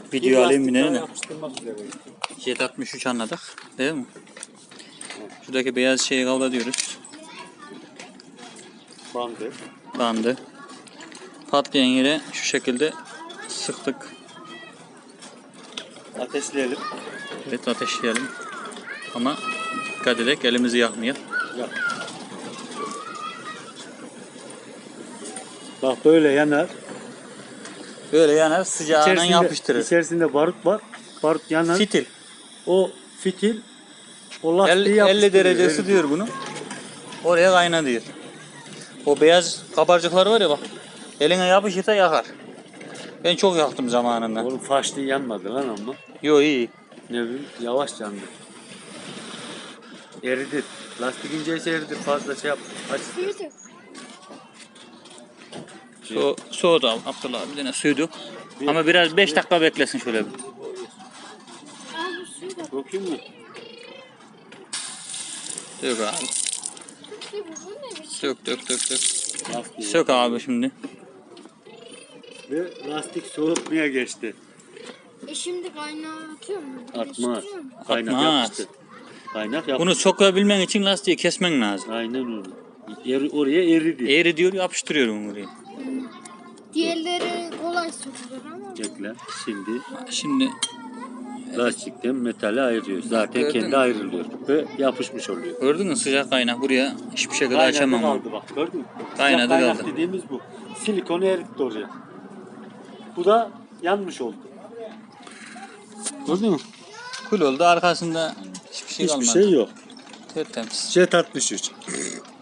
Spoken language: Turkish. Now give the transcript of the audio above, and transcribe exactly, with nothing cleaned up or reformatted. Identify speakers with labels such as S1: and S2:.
S1: Video alayım bir ne?
S2: Yapıştırmak üzere.
S1: Jet altmış üç anladık. Değil mi? Şuradaki beyaz şeyi kavga diyoruz.
S2: Bandı.
S1: Bandı. Patlayan yere şu şekilde sıktık.
S2: Ateşleyelim.
S1: Evet, ateşleyelim. Ama dikkat edelim, elimizi yakmayalım.
S2: Yap. Bak böyle yanar.
S1: Böyle yanar, sıcağından
S2: İçerisinde,
S1: yapıştırır.
S2: içerisinde barut var. Barut yanar.
S1: Fitil.
S2: O fitil o lastiği
S1: elli, elli
S2: yapıştırıyor.
S1: derece
S2: Öyle
S1: ısıtıyor bunu. Oraya kayna diyor. O beyaz kabarcıklar var ya bak. Eline yapışırsa yakar. Ben çok yaktım zamanında.
S2: Oğlum faşlı yanmadı lan ama.
S1: Yo, iyi.
S2: Ne bileyim yavaş yandı. Eridi. Lastik inceyse eridi. Fazla şey yap. Aç.
S1: Su, soğudu abi. Abdullah abi yine suyu dök. Ama biraz beş dakika beklesin şöyle bir.
S2: Bakayım mı?
S1: Dök abi. Dök dök dök dök.
S2: Lastik.
S1: Sök abi şimdi.
S2: Ve lastik soğutmaya geçti.
S3: E şimdi kaynağı atıyor mu?
S2: Atmaz.
S3: Değiştiriyor mu?
S2: Kaynak
S1: Atmaz.
S2: yapıştı. Kaynak yapıştı.
S1: Bunu sokabilmen için lastiği kesmen lazım.
S2: Aynen öyle. Eri, oraya eridi.
S1: Eğri diyor, yapıştırıyorum buraya.
S3: Diğerleri kolay sokulur ama.
S2: Bekle. Şimdi
S1: Şimdi
S2: lastikten metali ayırıyor. Zaten
S1: Gördün
S2: kendi
S1: mü?
S2: ayrılıyor. Ve yapışmış oluyor.
S1: gördün mü, sıcak kaynak buraya hiçbir şekilde
S2: Kaynadı
S1: açamam.
S2: kaldı bak. Gördün mü?
S1: Kaynadı
S2: Sıcak kaynak
S1: kaldı.
S2: dediğimiz bu. Silikonu eritti oraya. Bu da yanmış oldu. Gördün mü?
S1: Kul oldu, arkasında hiçbir şey
S2: Hiçbir
S1: kalmadı.
S2: şey yok.
S1: Tertemiz.
S2: Jet altmış üç.